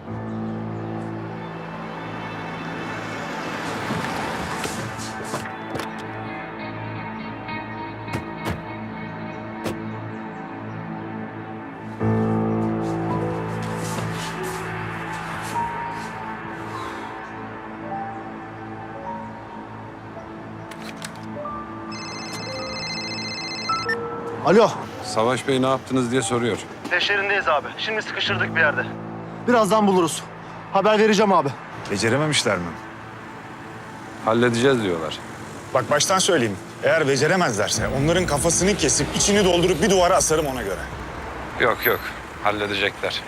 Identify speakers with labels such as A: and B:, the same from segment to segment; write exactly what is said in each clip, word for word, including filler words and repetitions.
A: Alo.
B: Savaş Bey ne yaptınız diye soruyor.
A: Peşlerindeyiz abi. Şimdi sıkıştırdık bir yerde. Birazdan buluruz. Haber vereceğim abi.
C: Becerememişler mi?
B: Halledeceğiz diyorlar.
C: Bak baştan söyleyeyim. Eğer beceremezlerse onların kafasını kesip içini doldurup bir duvara asarım ona göre.
B: Yok yok, halledecekler.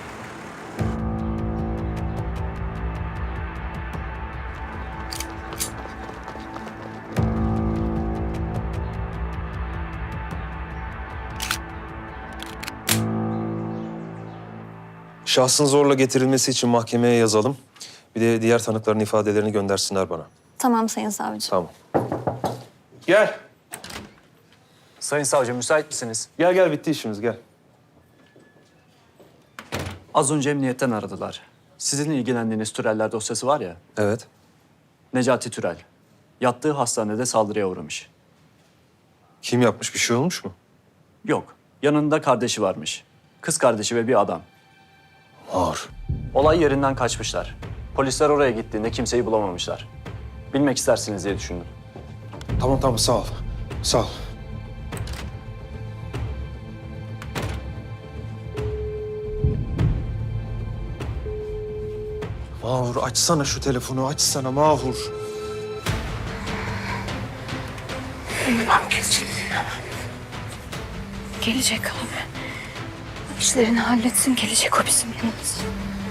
D: Şahsın zorla getirilmesi için mahkemeye yazalım. Bir de diğer tanıkların ifadelerini göndersinler bana.
E: Tamam Sayın Savcı.
D: Tamam. Gel.
F: Sayın savcı müsait misiniz?
D: Gel gel bitti işimiz gel.
F: Az önce emniyetten aradılar. Sizin ilgilendiğiniz Türeller dosyası var ya,
D: Evet.
F: Necati Türel. Yattığı hastanede saldırıya uğramış.
D: Kim yapmış, bir şey olmuş mu?
F: Yok, yanında kardeşi varmış. Kız kardeşi ve bir adam.
D: Ağır.
F: Olay yerinden kaçmışlar. Polisler oraya gittiğinde kimseyi bulamamışlar. Bilmek istersiniz diye düşündüm.
D: Tamam tamam sağ ol. Sağ ol. Mahur açsana şu telefonu, açsana Mahur.
E: Gelecek abi. İşlerini halletsin, gelecek o bizim yanımıza.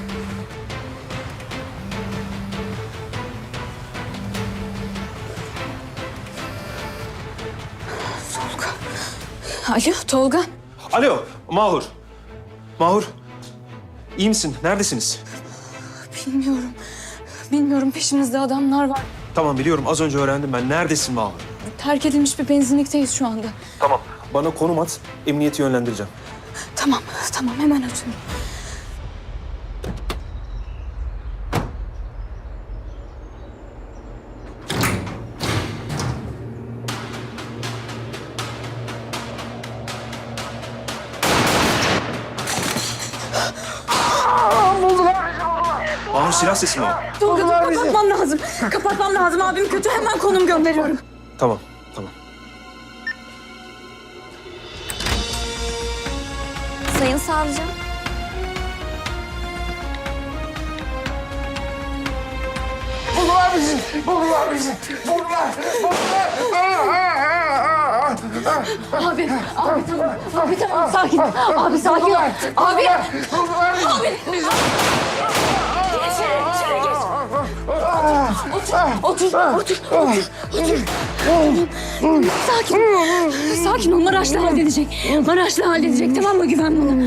E: Tolga. Alo Tolga.
D: Alo Mahur. Mahur. İyi misin? Neredesiniz?
E: Bilmiyorum. Bilmiyorum, peşimizde adamlar var.
D: Tamam biliyorum, az önce öğrendim ben. Neredesin Mahur?
E: Terk edilmiş bir benzinlikteyiz şu anda.
D: Tamam. Bana konum at, emniyeti yönlendireceğim.
E: Tamam, tamam hemen atıyorum.
D: Mahur silah sesi mi o?
E: Tolga dur, kapatmam lazım. Kapatmam lazım, abim kötü, hemen konum gönderiyorum.
D: Tamam, tamam.
E: Sayın Savcı.
A: Buldular bizi. Buldular bizi. Buldular.
E: Abi, abi tamam. Abi tamam, sakin. Abi sakin ol. Abi.
A: Buldular bizi.
E: Abi. Geç içeri, içeri geç. Otur, otur, otur, otur, otur. Sakin. Sakin ol, Maraşlı halledecek. Maraşlı halledecek, tamam mı? Güven bana.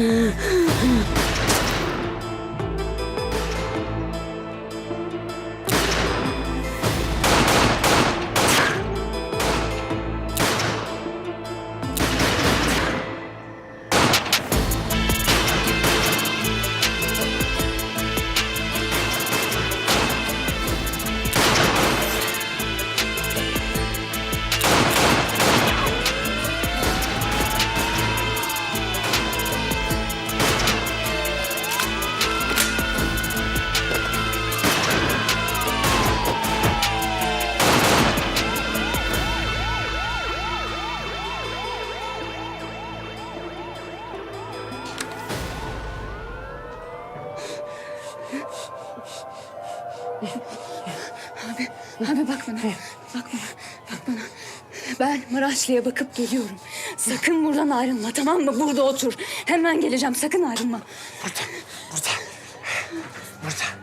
E: Abi, abi bak bana. Bak bana, bak bana. Ben Maraşlı'ya bakıp geliyorum. Sakın buradan ayrılma, tamam mı? Burada otur. Hemen geleceğim, sakın ayrılma.
A: Burada, burada. Burada.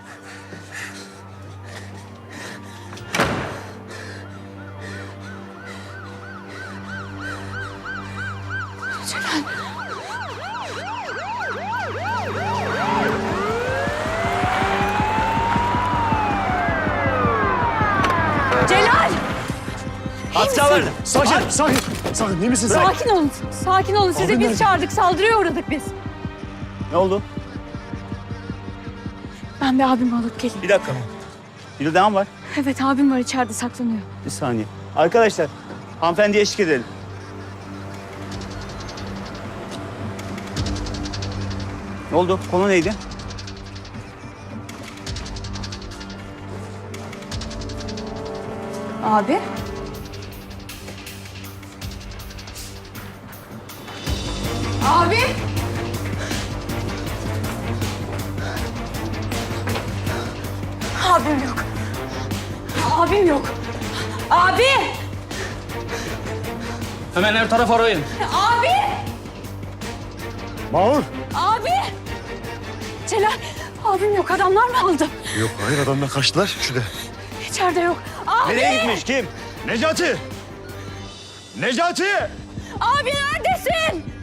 E: Celal. Celal!
F: Hatta vardı.
A: Sakin, sakin. Sakin, iyi misin sen?
E: Sakin olun, sakin olun. Sizi
A: Abim
E: biz
A: nerede?
E: çağırdık, saldırıya uğradık biz.
F: Ne oldu?
E: Ben bir abimi alıp geleyim.
G: Bir dakika. Bir devam var.
E: Evet abim var içeride saklanıyor.
G: Bir saniye. Arkadaşlar, hanımefendiye eşlik edelim. Ne oldu? Konu neydi?
E: Abi? Abi? Abim yok. Abim yok. Abi!
H: Hemen her taraf arayın.
E: Abi!
A: Mahur.
E: Abi! Celal, abim yok. Adamlar mı aldı?
A: Yok hayır adamlar kaçtılar. Şurada.
E: İçeride yok. Abi!
C: Nereye gitmiş kim? Necati! Necati!
E: Abi neredesin?